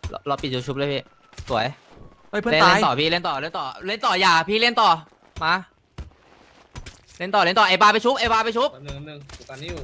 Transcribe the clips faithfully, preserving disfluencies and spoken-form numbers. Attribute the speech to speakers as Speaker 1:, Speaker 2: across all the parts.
Speaker 1: เราเราปิดยูชุบเลยพี่สวย
Speaker 2: เฮ้ยเพื่อน
Speaker 1: เล่น
Speaker 2: ตา
Speaker 1: เล่
Speaker 2: ย
Speaker 1: นต่อพี่เล่นต่อเล่นต่อเล่นต่ออย่าพี่เล่นต่อมาเล่นต่อเล่นต่อไอ้บาไปชุบไอ้บาไปชุบ
Speaker 3: แป๊บนึงแป๊บนึงกูกันนี่อยู่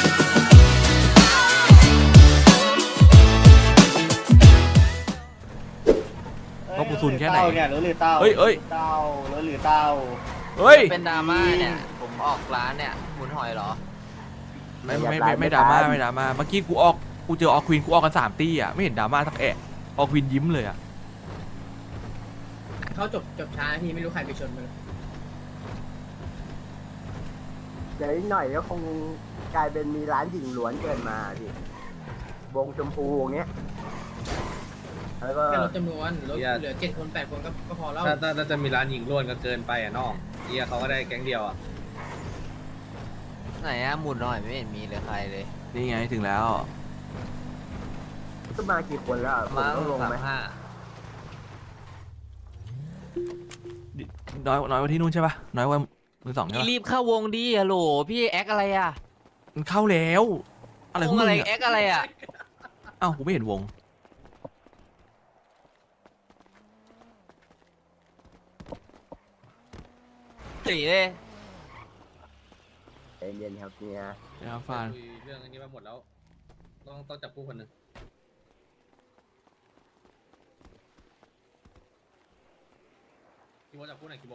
Speaker 2: ลบกูซุนแค่ไหน
Speaker 4: เต้าเนี่ยรถหรือเต้า
Speaker 2: เฮ้ยเฮ้ย
Speaker 4: เต้ารถหรือเต้า
Speaker 2: เฮ้ย
Speaker 1: เป็นดราม่าเนี่ยผมออกร้านเนี่ยหมุนหอยเหรอ
Speaker 2: ไม่ไม่ไม่ไม่ดราม่าไม่ดราม่าเมื่อกี้กูออกกูเจอออกควีนกูออกกันสามตี้อ่ะไม่เห็นดราม่าสักแอะออกควีนยิ้มเลยอ่ะ
Speaker 5: เขาจบจบช้าพี่ไม่รู้ใครไปชนมัน
Speaker 4: เดี๋ยวอีกหน่อยก็คงกลายเป็นมีร้านหญิงล้วนเกินมาพี่วงชมพูอย่างเงี้ยแล้วก็
Speaker 5: แค่ลดจำนวนลดเหลือเจ็ดคนแปดคนก็ก็พอแล้ว
Speaker 3: ถ้าถ้าถ้าจะมีร้านหญิงล้วนก็เกินไปอ่ะน้องเฮียเขาก็ได้แก๊งเดียวอ่ะ
Speaker 1: ไหนอะหมุนหน่อยไม่เห็นมีเลยใครเลย
Speaker 2: นี่ไงถึงแล้ว
Speaker 4: ก็มากี่คนแล้วผม
Speaker 1: มา
Speaker 4: ต้องลง
Speaker 1: สาม
Speaker 4: ไหม
Speaker 1: ห้า
Speaker 2: น้อยน้อยกว่าที่นู่นใช่ปะน้อยกว่ามือสองใช่
Speaker 1: พี่
Speaker 2: ปะ
Speaker 1: รีบเข้าวงดิฮัลโหลพี่แอคอะไรอะ
Speaker 2: มันเข้าแล้วอะไรของ
Speaker 1: วง
Speaker 2: มึ
Speaker 1: อะ
Speaker 2: ง
Speaker 1: ไร
Speaker 2: อ่ะ
Speaker 1: แอคอะไรอะ
Speaker 2: อ้าวกูไม่เห็นวง
Speaker 1: ตีเลย
Speaker 4: ใจเย็นครับเนี่ย
Speaker 2: นะครับฟาน
Speaker 3: คุยเรื่องอันนี้มาหมดแล้วต้องต้องจับผู้คนหนึ่งคิโมจับผู้ไหนคิโม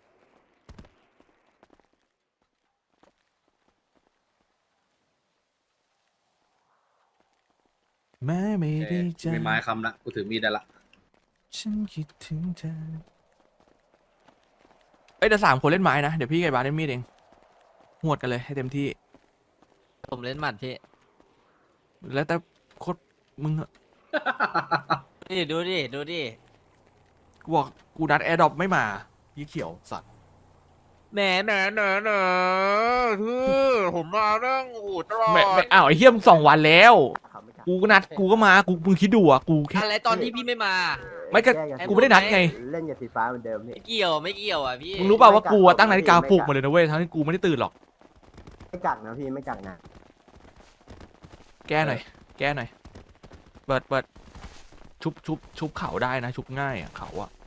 Speaker 2: แม้ไม่
Speaker 3: โอเค
Speaker 2: ได้
Speaker 3: กู
Speaker 2: เจอ
Speaker 3: มีไม้คำละกูถือมีดได้ละ
Speaker 2: ฉันคิดถึงเธอเอ้ยเดี๋ยวสามคนเล่นไม้นะเดี๋ยวพี่กับไอ้บาสเล่นมีดเองหวดกันเลยให้เต็มที่
Speaker 1: ผมเล่นหมัดพี่
Speaker 2: แล้วแต่โคตรมึงอะ
Speaker 1: นี่ดูดิดูดิ
Speaker 2: กูบอกกูนัดแอร์ดรอปไม่มายี่เขียวสัตว์
Speaker 1: แหนแหนแหนแหนคือผมมาเรื่องอูดตลอด
Speaker 2: ไม่ไม่อ้าวไอ้เฮียมงสองวันแล้ว
Speaker 4: เขาไม่กลับ
Speaker 2: กูก็นัดกูก็มากูมึงคิดดูอ่ะกูแค่
Speaker 1: อะไรตอนที่พี่ไม่มา
Speaker 2: ไม่ก็
Speaker 4: แย
Speaker 2: กูไม่ได้นัดไง
Speaker 4: เล่นกับสีฟ้าเหมือนเดิมนี่
Speaker 1: ไม่เกี่ยวไม่เกี่ยวอ่ะพี่
Speaker 2: มึงรู้เปล่าว่ากูอะตั้งนาฬิกาปลุกมาเลยนะเว้ยทั้งที่กูไม่ได้ตื่นหรอก
Speaker 4: ไม่กักนะพี่ไม่กักนะ
Speaker 2: แก้หน่อยแก้หน่อยเปิดเปิดชุบชุบชุบเข่าได้นะชุบง่ายอ่ะเข่าอ่ะ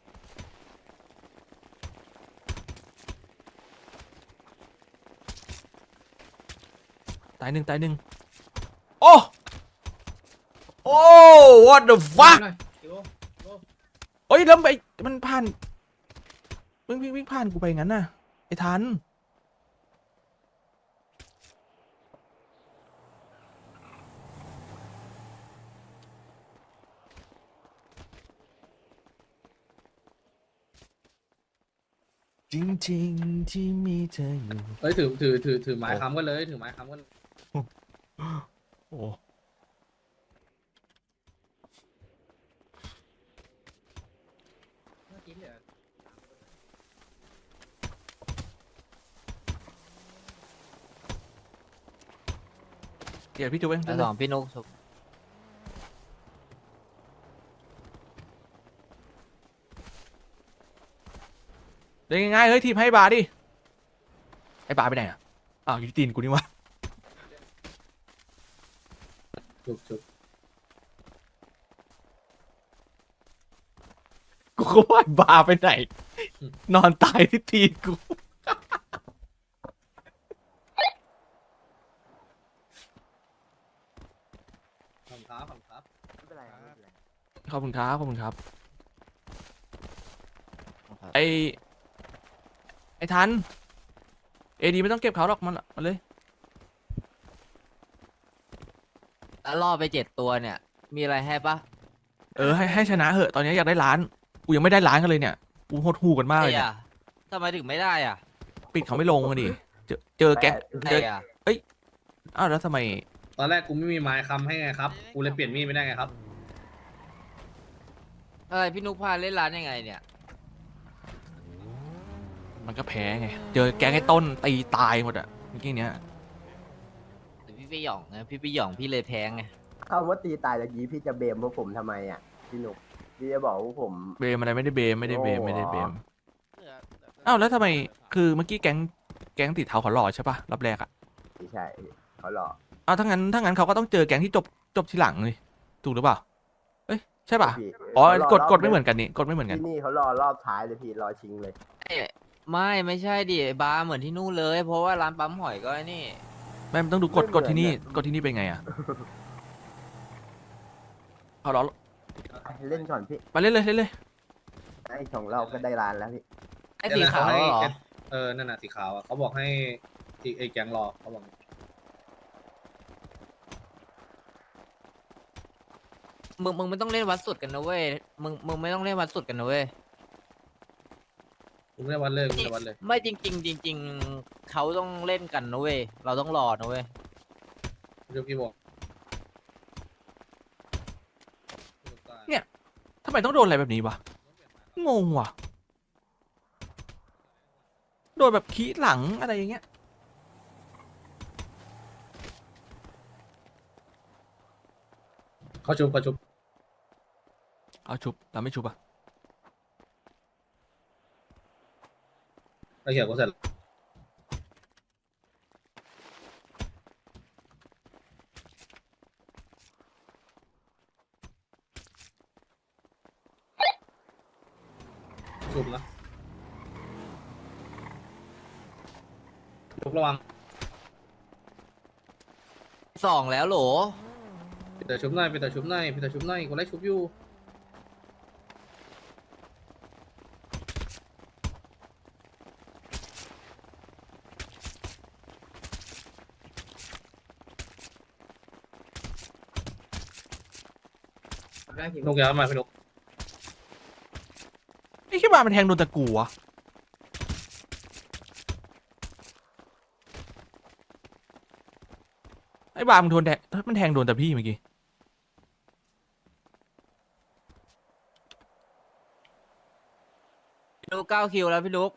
Speaker 2: ตายหนึ่งตายหนึ่งโอ้โอ้ what the fuck
Speaker 5: หน่อยคิวโอ้
Speaker 2: เอ้ยแล้วไปมันผ่านวิ่งวิ่งวิ่งผ่านกูไปงั้นน่ะไอ้ทันจริงๆที่มีเธออยู่
Speaker 3: เอ้ยถือถือถือถือไม้ค้ำกันเลยถือไม้ค้ำกัน
Speaker 2: โอ้
Speaker 5: เมื่อกี้เหลือ
Speaker 2: เดี๋ยวพี่จูเอง
Speaker 1: ไอ้สองพี่นุ๊กชุบ
Speaker 2: เดี๋ยวง่ายๆเฮ้ยทีมให้บาร์ดิไอ้บาร์ไปไหนอ่ะอ้าวอยู่ที่ตีนกูนี่วะ
Speaker 3: จุบจุบ
Speaker 2: กูก็ว่าบาร์ไปไหน นอนตายที่ตีนกู
Speaker 3: ขอบคุณครับขอบคุณครับ
Speaker 4: ไม่เป็นไรครับไม่เป็นไร
Speaker 2: ขอบคุณครับขอบคุณครับไอไอทันเอดีไม่ต้องเก็บเขาหรอกมันมันเลย
Speaker 1: แล้วล่อไปเจ็ดตัวเนี่ย มีอะไรให้ปะ
Speaker 2: เออให้ให้ชนะเหอะตอนนี้อยากได้ล้านกูยังไม่ได้ล้านกันเลยเนี่ยกูโหดหูกันมากเลย
Speaker 1: ไอ้
Speaker 2: เนี่ย
Speaker 1: อะทำไมถึงไม่ได้อ่ะ
Speaker 2: ปิดเขาไม่ลงกันดิเจอเจอแก๊ง
Speaker 1: ไอ้
Speaker 2: เจอ
Speaker 1: อะ
Speaker 2: อ้าวแล้วทำไม
Speaker 3: ตอนแรกกูไม่มีไม้ค้ำให้ไงครับกูเลยเปลี่ยนมีดไม่ได้ไงครับ
Speaker 1: อะไรพี่นุ๊กพาเล่นร้านยังไงเนี่ย
Speaker 2: มันก็แพ้ไงเจอแก๊งไอ้ต้นตีตายหมดอ่ะเมื่อกี้เนี้ย
Speaker 1: แต่พี่ไปหย่องนะพี่ไปหย่องพี่เลยแพ้ไง
Speaker 4: คำว่าตีตายตะกี้พี่จะเบมพวกผมทำไมอ่ะพี่หนุกพี่จะบอกว่าผม
Speaker 2: เบมอะไรไม่ได้เบมไม่ได้เบม
Speaker 4: โอ้
Speaker 2: ไม่ได้เบมอ้าวแล้วทำไมคือเมื่อกี้แก๊งแก๊งติดเท้าเขาหล่อใช่ปะรอบแรกอ่ะ
Speaker 4: ไม่ใช่เขาหลอก
Speaker 2: อ้าวถ้างั้นถ้างั้นเขาก็ต้องเจอแก๊งที่จบจบทีหลังเลยถูกหรือเปล่าเอ้ยใช่ป่ะ
Speaker 4: พี่
Speaker 2: อ๋อ
Speaker 4: เขาร
Speaker 2: กด
Speaker 4: รบ
Speaker 2: กดไม่เหมือนกันนี่กดไม่เหมือนกัน
Speaker 4: ที่นี่เขารอรอบท้ายเลยพี่รอชิงเลย
Speaker 1: เอ้ยไม่ไม่ใช่ดิไอ้บาร์เหมือนที่นู่นเลย เพราะว่าร้านปั๊มหอยก็ไอ้นี่
Speaker 2: ไม่มันต้องดูกด
Speaker 4: ไม่เหมื
Speaker 2: ก
Speaker 4: อน
Speaker 2: ดที่นี่
Speaker 4: อะ
Speaker 2: กดที่นี่เป็นไงอ่ะเอาล้อ
Speaker 4: เล่นก่อนพี่
Speaker 2: มาเล่นเลยเล่นเลย
Speaker 4: ไอ้ของเราก็ได้ร้านแล้วพี่
Speaker 1: ไอ้สีขาวเหรอ
Speaker 3: เออนั่นน่ะสีขาวอ่ะเขาบอกให้ที่ไอ้แก๊งรอเขาบอก
Speaker 1: มึงมึงไม่ต้องเล่นวัดสุดกันนะเว้ย มึงมึงไม่ต้องเล่นวัดสุดกันนะเว้ย
Speaker 3: มึงได้วันเลยมึงได้วันเลย
Speaker 1: ไม่จริงจริงๆจริงๆเขาต้องเล่นกันนะเว้ย เราต้องรอนะเว้ย
Speaker 3: ยกกี่บอก
Speaker 2: ทำไมต้องโดนอะไรแบบนี้วะงงว่ะโดนแบบขี้หลังอะไรอย่างเงี้ย
Speaker 3: เขาชุบเขาชุบ
Speaker 2: เอาชุบเราไม่ชุบอ่ะ
Speaker 3: เขาเขียวก็เสร็จชุบนะชุบระวัง
Speaker 1: สองแล้วโหล
Speaker 3: ปิดแต่ชุบหน่อยปิดแต่ชุบหน่อยปิดแต่ชุบหน่อยกูไล่ชุบอยู่
Speaker 5: ได้ที
Speaker 3: นกยาวมาพี่นก
Speaker 2: ไอ้ขี้บามันแทงโดนตะกูวะไอ้บามันโดนแทงมันแทงโดนแต่พี่เมื่อกี้
Speaker 1: พี่ลูกเก้าคิวแล้วพี่ลูก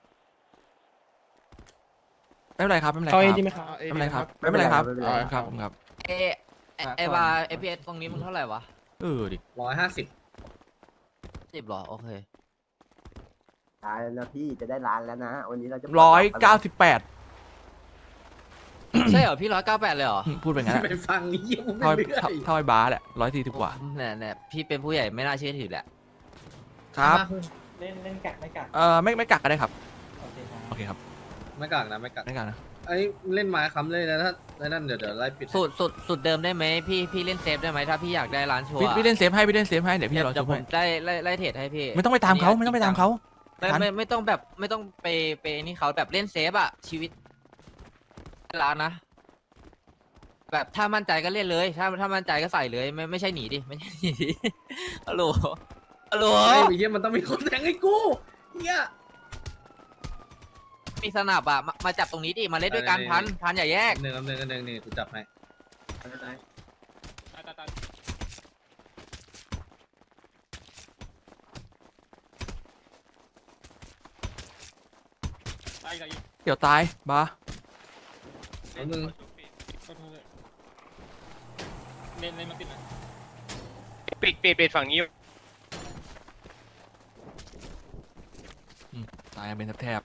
Speaker 2: ไม่เป็นไรครับไม่เป็นไรค
Speaker 6: เข้า
Speaker 2: รับ
Speaker 6: เอดีไหมครับ
Speaker 2: ไม่เป็นไรครับไม่เป็นไรครับ
Speaker 4: ไม่เป็นไร
Speaker 2: ครับครับ
Speaker 1: เอะไอ้ไอ้บาร์เอพีเอสตรงนี้มึงเท่าไหร่วะ
Speaker 2: เออดิ
Speaker 3: ร้อยห้าสิบ
Speaker 1: สิบหรอ โอเค
Speaker 4: ร้านแล้วนะพี่จะได้ร้านแล้วนะ วันนี้เราจะ
Speaker 2: ร้อยเก้าสิบแปด
Speaker 1: ใช่เหรอ พี่ร้อยเก้าแปดเลยเหรอ
Speaker 2: พูดไปงั้นอะ
Speaker 3: ไปฟังนี้ยัง
Speaker 2: เท่า
Speaker 3: ไม่เรื่อ
Speaker 2: เท่าย เท่าไอ้บาสแหละร้อยสี่สิบกว่า
Speaker 1: เนี่ยเนี่ยพี่เป็นผู้ใหญ่ไม่น่าเชื่อถือแหละ
Speaker 2: ครับ
Speaker 6: เล่นเล่นกักไม่กัก
Speaker 2: เออไม่ไม่กักก็ได้ครับ
Speaker 6: โอเคครับ
Speaker 2: โอเคครับ
Speaker 3: ไม่กักนะไม่กัก
Speaker 2: ไม่กักนะ
Speaker 3: ไอ้เล่นไม้ค้ำเลยนะถ้าไอ้นั่นเดี๋ยวเดี๋ยวไล่ปิด
Speaker 1: สุดสุดสุดเดิมได้ไหมพี่พี่เล่นเซฟได้ไหมถ้าพี่อยากได้ร้านชัวร์
Speaker 2: พี่พี่เล่นเซฟให้พี่เล่นเซฟให้เดี๋ยวพี่
Speaker 1: เดี๋ยว
Speaker 2: รอ
Speaker 1: เดี๋
Speaker 2: ชุ
Speaker 1: ยว
Speaker 2: บ
Speaker 1: ผ
Speaker 2: ให้
Speaker 1: มได้ไล่ไล่เทรดให้พี่
Speaker 2: ไม่ต้องไปตามเขาไม่ต้องไปตามเขา
Speaker 1: ไม่ไม่ไม่ต้องแบบไม่ต้องไปไปนี่เขาแบบเล่นเซฟอะชีวิตร้านนะ แบบถ้ามั่นใจก็เล่นเลย ถ้าถ้ามั่นใจก็ใส่เลย ไม่ไม่ใช่หนีดิไม่ใช่หนีดิ ฮัลโหลฮัลโหล
Speaker 3: ไอ้เหี้ยมันต้องมีคนแทงให้กูเหี้ย
Speaker 1: มีสนับอะมามาจับตรงนี้ดิมาเล่นด้วยกัน
Speaker 3: ได้
Speaker 1: พันพันอย่าแยก
Speaker 3: หนึ่งอันหนึ่งอันหนึ่งนี่กูจับให้
Speaker 2: เดี๋ยวตายบา
Speaker 3: แล้วมึง
Speaker 6: เล่นเล่นมาปิดนะ
Speaker 7: ปิดปิดปิดฝั่งนี้
Speaker 2: ตายกันเป็นแทบ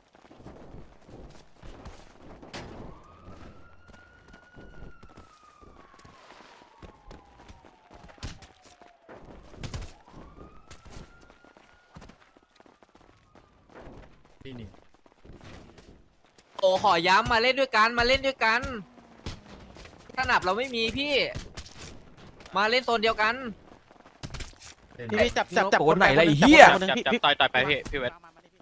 Speaker 2: ๆนี่นี่
Speaker 1: โอ้ขอย้ำมาเล่นด้วยกันมาเล่นด้วยกันสนับเราไม่มีพี่ มาเล่นโซนเดียวกัน
Speaker 6: พี่พี่จับจับจับ
Speaker 2: โกนไหนล่ะไอ้
Speaker 6: จับ
Speaker 2: เหี้ย
Speaker 6: คนหนึ่ง
Speaker 7: จับ
Speaker 6: พี่
Speaker 7: จับ
Speaker 6: พี่
Speaker 7: ต่อยต่อยไปพี่พี่เวท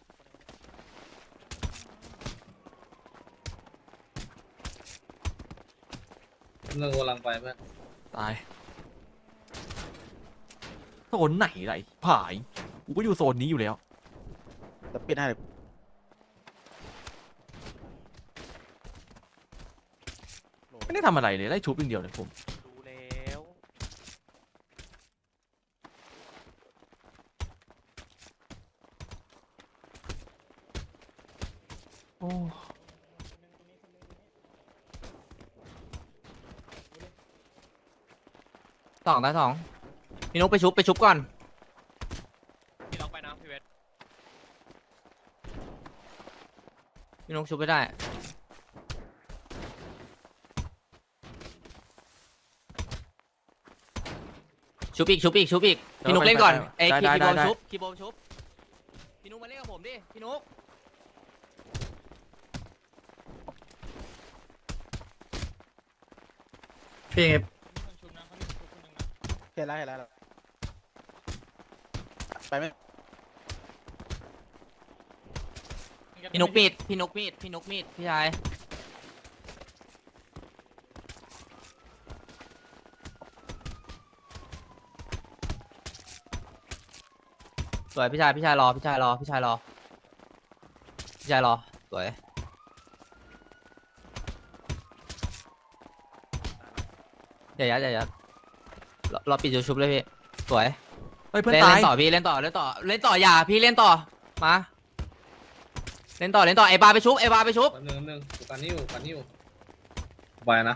Speaker 3: เงินกำลังไปเพื่อน
Speaker 2: ตายโซนไหนล่ะไรผายกูก็อยู่โซนนี้อยู่แล้ว
Speaker 6: จะปิดให้เลย
Speaker 2: ไม่ได้ทำอะไรเลยไล่ชุบอย่างเดียวเลยผม
Speaker 7: รู้แล้ว
Speaker 2: โอ้
Speaker 1: สองตาสองพี่นุ๊กไปชุบไปชุบก่อน
Speaker 7: พี่ลองไปนะพี่เวท
Speaker 1: พี่นุ๊กชุบไม่ได้ชชุบอีกชุบอีกชุบอีกพี่นุ๊ก
Speaker 2: ไป
Speaker 1: เล่นก่อน
Speaker 2: ไป
Speaker 1: ไอ้
Speaker 2: ได้
Speaker 1: คี
Speaker 2: ได้
Speaker 1: โบ
Speaker 2: ได้
Speaker 1: ชุบคีโบชุบพี่นุ๊กมาเล่นกับผมดิพี่นุ๊ก
Speaker 5: พี่
Speaker 6: เห็นแล้วเห็นแล้วไปไหม
Speaker 1: พี่นุ๊กมีดพี่นุ๊กมีดพี่นุ๊กมีดพี่ชายสวยพี่ชายพี่ชายรอพี่ชายรอพี่ชายรอพี่ชายรอสวยอย่ายัดอย่ายัดรอรอปิดจุดชุบเลยพี่สวย
Speaker 2: เฮ้ยเพื่อน
Speaker 1: เล่น
Speaker 2: ตา
Speaker 1: เล่
Speaker 2: ย
Speaker 1: นต่อพี่เล่นต่อเล่นต่อเล่นต่ออย่าพี่เล่นต่อมาเล่นต่อเล่นต่อไอ้บาไปชุบไอ้บาไปชุบ
Speaker 3: แป๊บนึงแป๊บนึงกูกันนิ้วกันนิ้วไปนะ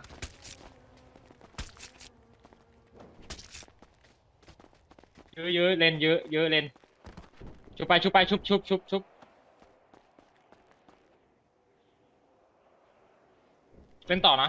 Speaker 6: เยอะเยอะเลนเยอะเยอะเลนชุบไปชุบไปชุบชุบชุบชุบเล่นต่อนะ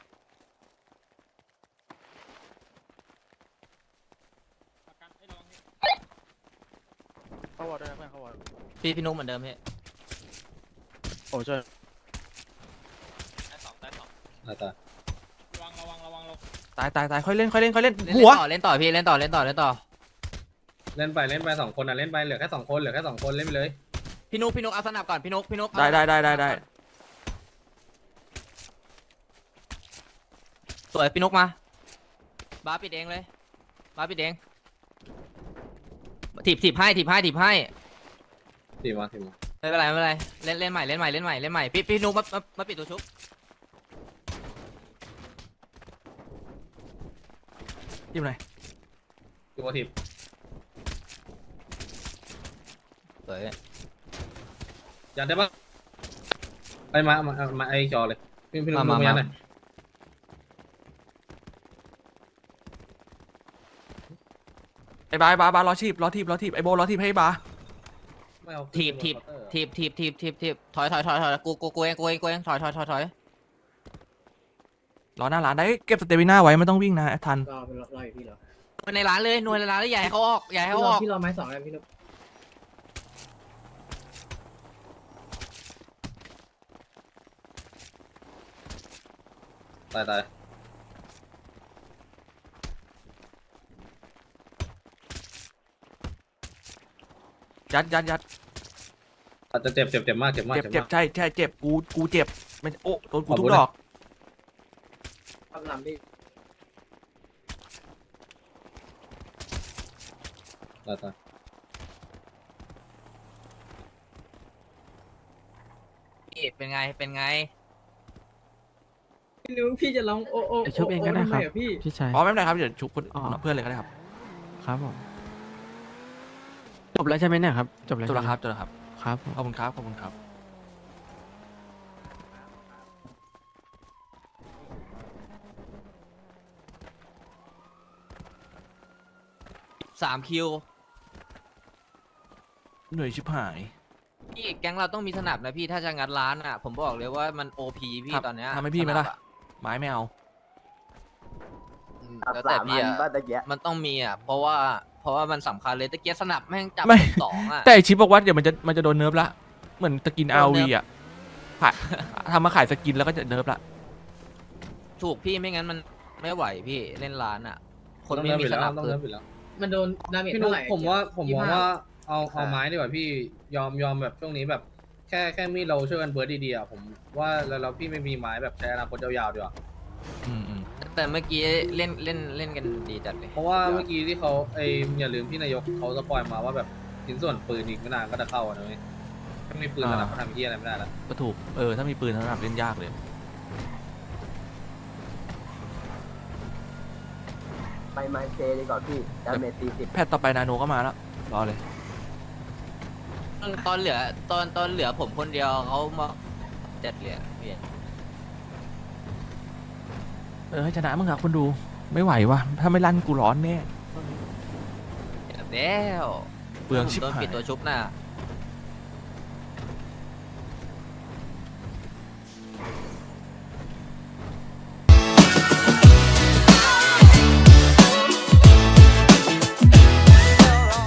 Speaker 6: เข้าวอร์ด้วยนะเพื่อนเข้าวอร์
Speaker 1: พี่พี่นุ๊กเหมือนเดิมพี่
Speaker 6: โอ้ช่วย
Speaker 7: ได้สองได้สอง
Speaker 3: ตายตาย
Speaker 6: ระวังระวังระวังระวัง
Speaker 2: ตายตายตายค่อยเล่นค่อยเล่นค่อยเล่น
Speaker 1: เล่น
Speaker 2: หัว
Speaker 1: ต่อเล่นต่อพี่เล่นต่อเล่นต่อเล่นต่อ
Speaker 3: เล่นไปเล่นไปสองคนอ่ะเล่นไปเหลือแค่สองคนเหลือแค่สองคนเล่นไปเลย
Speaker 1: พี่นุ๊กพี่นุ๊กเอาสนับก่อนพี่นุ๊กพี่นุ๊ก
Speaker 2: ได้ได้ได้ได้ได้
Speaker 1: สวยพี่นุ๊กมาบาปิดเองเลยบาปิดเองถีบถีบให้ถีบให้ถีบให้
Speaker 3: ทีมาทีมา
Speaker 1: ไม่เป็นไรไม่เป็นไรเล่นเล่นใหม่เล่นใหม่เล่นใหม่เล่นใหม่พี่พี่นุ๊กมามามาปิดตัวชุบ
Speaker 2: จิ้มหน่อย
Speaker 3: ทีมาที
Speaker 1: สวย
Speaker 3: ยันได้ปะไปมามามาไอจอเลยพี่พี่นุ่มมายันหน่อย
Speaker 2: ไอ้บาไอ้บาบารอชีพรอทีบรอทีบไอ้โบรอทีบให้ไอ้บา
Speaker 3: ไม่เอา
Speaker 1: ถีบถีบถีบถีบถีบถีบถีบถอยถอยถอยถอยกูกูกูเองกูเองกูเองถอยถอยถอยถอย
Speaker 2: รอหน้าร้านได้เก็บสเตมิน่าไว้ไม่ต้องวิ่งนะทัน
Speaker 5: รอรอรออยู่พี่รอ
Speaker 1: นวลในร้านเลยนวลในร้านแล้วใหญ่เขาออกใหญ่
Speaker 5: พี่
Speaker 1: เขา
Speaker 5: ร
Speaker 1: อ
Speaker 5: อ
Speaker 1: อก
Speaker 5: พี่รอไม้สองแล้วพี่นุ๊ก
Speaker 3: ตายตาย
Speaker 2: ยัดยัดยัด
Speaker 3: อาจจะเจ็บเจ็บเจ็บมากเจ็บมาก
Speaker 2: เจ็บ
Speaker 3: เจ็บ
Speaker 2: เจ็บ
Speaker 3: มาก
Speaker 2: ใช่ใช่เจ็บกูกูเจ็บมันโอ้โดนกูทุ
Speaker 3: ขอบคุ
Speaker 2: ก
Speaker 3: ณ
Speaker 2: ดอก
Speaker 5: ทำลำพี่
Speaker 3: ตายตาย
Speaker 1: พี่เป็นไงเป็นไง
Speaker 5: พี่นุ๊กพี่จะร้องโอ้โอ้
Speaker 8: เดี๋ยวชุบเองก็ได้ครับ
Speaker 5: ทำมอะพี่
Speaker 8: พี่ชาย
Speaker 2: อ๋อไม่เป็นไรครับเดี๋ยวชุบคน
Speaker 8: อ๋อ
Speaker 2: เพื่อนเลยก็ได้ครับ
Speaker 8: ครับผมจบแล้วใช่ไหมเนี่ยครับจบแล้ว
Speaker 2: จบแล้ว
Speaker 8: ใช่ไหม
Speaker 2: ครับจบแล้วครับ
Speaker 8: ครับผม
Speaker 2: ขอบคุณครับขอบคุณครับ
Speaker 1: สามคิว
Speaker 2: เหนื่อยชิบหาย
Speaker 1: พี่แก๊งเราต้องมีสนับนะพี่ถ้าจะงัดร้านอ่ะ ผมบอกเลยว่ามันโอพีพี่
Speaker 2: ครับ
Speaker 1: ตอนเนี้ย
Speaker 2: ทำให้พี่ไหมล่ะ
Speaker 1: สนับอ
Speaker 2: ไม้ไม่เอา
Speaker 1: อืม
Speaker 4: อับ
Speaker 1: แล้ว
Speaker 4: สา
Speaker 1: แต่
Speaker 4: ม
Speaker 1: พี่
Speaker 4: อัน
Speaker 1: อ่ะ
Speaker 4: บ้านตะเกียะ
Speaker 1: มันต้องมีอ่ะเพราะว่าเพราะว่ามันสำคัญเลยตะเกียบสนับแม่งจับ
Speaker 2: ไม่
Speaker 1: สองอ่ะ
Speaker 2: แต่ไอ้ชิปบอกว่าเดี๋ยวมันจะมันจะโดนเนิร์ฟละเหมือนตะกิน
Speaker 1: โด
Speaker 2: อาน
Speaker 1: เนิ
Speaker 2: วี
Speaker 1: ร์ฟ
Speaker 2: อ่ะขายทำมาขายสกินแล้วก็จะเนิร์ฟละ
Speaker 1: ถูกพี่ไม่งั้นมันไม่ไหวพี่เล่นร้านอ่ะ คน
Speaker 3: ต้อง
Speaker 1: ไม่
Speaker 3: เริ่ม
Speaker 1: มี
Speaker 3: ไป
Speaker 1: ส
Speaker 3: แล้ว
Speaker 1: นับ
Speaker 3: ต้อง
Speaker 1: คือ
Speaker 3: เริ่มไปแล้ว
Speaker 5: มันโดนดาเมจ
Speaker 3: พี่นุ๊
Speaker 5: เท่าก ไหร่
Speaker 3: ผมว่าผมมอง
Speaker 5: ยี่สิบห้า
Speaker 3: ว่าเอาเอาไม้ดีกว่าพี่ยอมยอมแบบช่วงนี้แบบแค่แค่มีดเราช่วยกันเบิร์ดดีๆอ่ะผมว่าแล้วแล้วพี่ไม่มีไม้แบบใช้อนาคตยาวๆดีกว่า
Speaker 2: อืมอืม
Speaker 1: แต่เมื่อกี้เล่นเล่นเล่นกันดีจัดเลย
Speaker 3: เพราะว่าเมื่อกี้ที่เขาไออย่าลืมพี่นายกเขาสปอยมาว่าแบบชิ้นส่วนปืนอีกไม่นานก็จะเข้าอะนะเว้ยถ้ามีปืนสนับก็ทำเหี้ยอะไรไม่ได้แล้ว
Speaker 2: ก็ถูกเออถ้ามีปืนสำหรับเล่นยากเลย
Speaker 4: ไปไมเซดีกว่าพี่ดาเมจสี่สิบ
Speaker 2: แพทย์ต่อไปนาโนก็มาแล้วรอเลย
Speaker 1: ตอนตอนเหลือตอนตอนเหลือผมคนเดียวเขามาเจ็ดเหรียญเปลี่ยน
Speaker 2: เออให้ชนะมึงครับคนดูไม่ไหววะถ้าไม่ลั่นกูร้อนแน่
Speaker 1: แล้ว
Speaker 2: เปลืองชิบ
Speaker 1: โดน
Speaker 2: หาย
Speaker 1: ปิดตัวชุบน่ะ